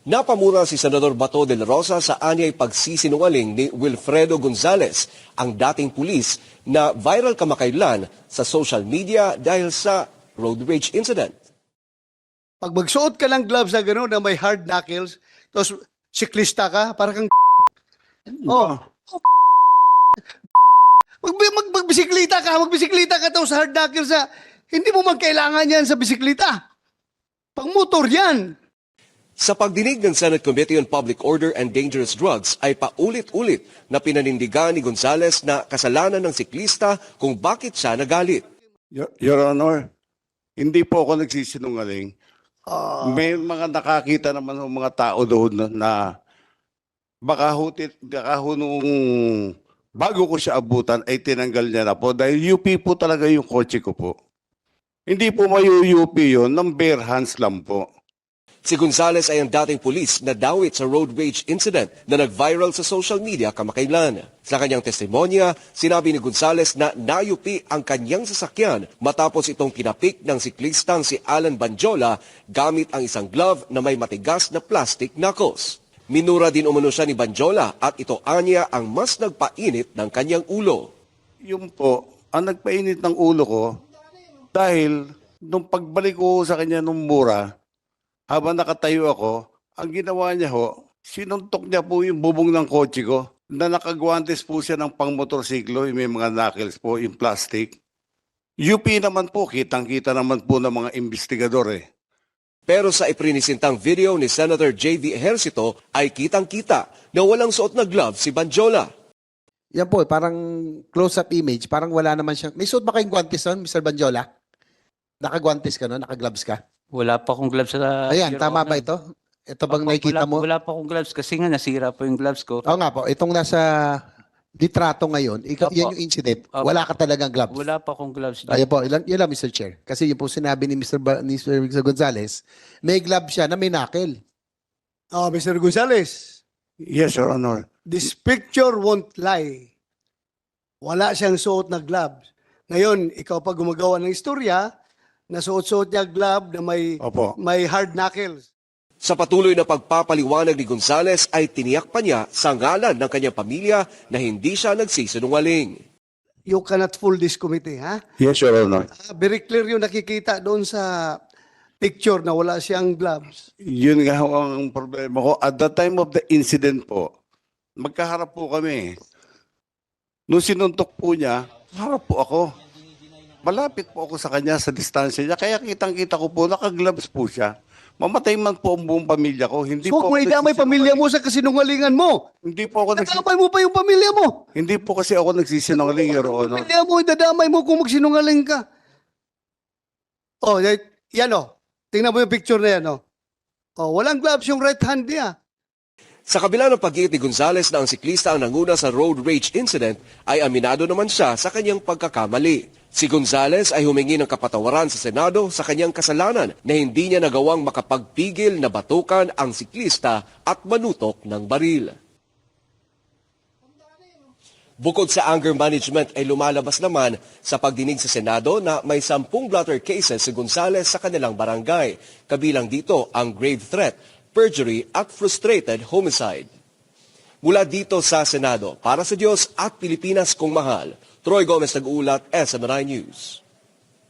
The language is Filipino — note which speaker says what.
Speaker 1: Napamura si Senador Bato de la Rosa sa anyay pagsisinungaling ni Wilfredo Gonzales, ang dating pulis na viral kamakailan sa social media dahil sa road rage incident.
Speaker 2: Pag magsuot ka ng gloves na gano'n na may hard knuckles, tapos siklista ka, parang kang oh. Magbisiklita ka tapos hard knuckles na, hindi mo man kailangan yan sa bisiklita. Pang motor yan.
Speaker 1: Sa pagdinig ng Senate Committee on Public Order and Dangerous Drugs ay paulit-ulit na pinanindigan ni Gonzales na kasalanan ng siklista kung bakit siya nagalit.
Speaker 3: Your Honor, hindi po ako nagsisinungaling. May mga nakakita naman ng mga tao doon na baka nung bago ko siya abutan ay tinanggal niya na po dahil UP po talaga yung kotse ko po. Hindi po UP yun, ng bare hands lang po.
Speaker 1: Si Gonzales ay ang dating pulis na dawit sa road rage incident na nag-viral sa social media kamakailan. Sa kanyang testimonya, sinabi ni Gonzales na nayupi ang kanyang sasakyan matapos itong tinapik ng siklistang si Alan Banjola gamit ang isang glove na may matigas na plastic knuckles. Minura din umano siya ni Banjola at ito anya ang mas nagpainit ng kanyang ulo.
Speaker 3: Yun po, ang nagpainit ng ulo ko dahil nung pagbalik ko sa kanya nung mura, habang nakatayo ako, ang ginawa niya ho, sinuntok niya po yung bubong ng kotse ko na nakagwantes po siya ng pangmotorsiklo, yung may mga knuckles po, yung plastic. UP naman po, kitang-kita naman po ng mga investigador eh.
Speaker 1: Pero sa iprinisintang video ni Senator J.V. Ejercito ay kitang-kita na walang suot na glove si Banjola.
Speaker 4: Yan po, parang close-up image, parang wala naman siya. May suot ba kayong guantes nun, Mr. Banjola? Nakagwantes ka no? Nakagloves ka?
Speaker 5: Wala pa akong gloves sa...
Speaker 4: Ayan,
Speaker 5: Your
Speaker 4: tama
Speaker 5: Honor.
Speaker 4: ba ito? Ito bang nakikita mo?
Speaker 5: Wala pa akong gloves kasi nga nasira po yung gloves ko.
Speaker 4: Oo nga po, itong nasa litrato ngayon,
Speaker 5: Opo.
Speaker 4: yan yung incident.
Speaker 5: Opo.
Speaker 4: Wala ka talagang gloves.
Speaker 5: Wala pa akong gloves.
Speaker 4: Ayan po, yun lang Mr. Chair. Kasi yun po sinabi ni Mr. Gonzales, may glove siya na may knuckle.
Speaker 2: Oh, Mr. Gonzales,
Speaker 3: Yes, Your Honor.
Speaker 2: this picture won't lie. Wala siyang suot na gloves. Ngayon, ikaw pa gumagawa ng istorya, nasuot-suot niya glove na
Speaker 3: Opo.
Speaker 2: may hard knuckles.
Speaker 1: Sa patuloy na pagpapaliwanag ni Gonzales ay tiniyak pa niya sa ngalan ng kanyang pamilya na hindi siya nagsisinungaling.
Speaker 2: You cannot fool this committee, ha?
Speaker 3: Yes, Your Honor.
Speaker 2: Very clear yung nakikita doon sa picture na wala siyang gloves.
Speaker 3: Yun nga ho ang problema ko. At the time of the incident po, magkaharap po kami. Nung sinuntok po niya, harap po ako. Malapit po ako sa kanya sa distansya niya. Kaya kitang-kita ko po, nakagloves po siya. Mamatay man po ang buong pamilya ko. Hindi
Speaker 2: So,
Speaker 3: po
Speaker 2: kung idamay pamilya mo sa kasinungalingan mo,
Speaker 3: Hindi po ako
Speaker 2: nadamay mo pa yung pamilya mo.
Speaker 3: Hindi po kasi ako nagsisinungaling, Your Honor.
Speaker 2: Pamilya mo, idadamay mo kung magsinungaling ka. Oh, yan oh. Tingnan mo yung picture na yan oh. Oh, walang gloves yung right hand niya.
Speaker 1: Sa kabila ng pag-iit ni Gonzales na ang siklista ang nanguna sa road rage incident, ay aminado naman siya sa kanyang pagkakamali. Si Gonzales ay humingi ng kapatawaran sa Senado sa kanyang kasalanan na hindi niya nagawang makapagpigil na batukan ang siklista at manutok ng baril. Bukod sa anger management ay lumalabas naman sa pagdinig sa Senado na may 10 blotter cases si Gonzales sa kanilang barangay. Kabilang dito ang grave threat, perjury at frustrated homicide. Mula dito sa Senado, para sa Diyos at Pilipinas kong mahal, Troy Gomez nag-uulat, SMNI News.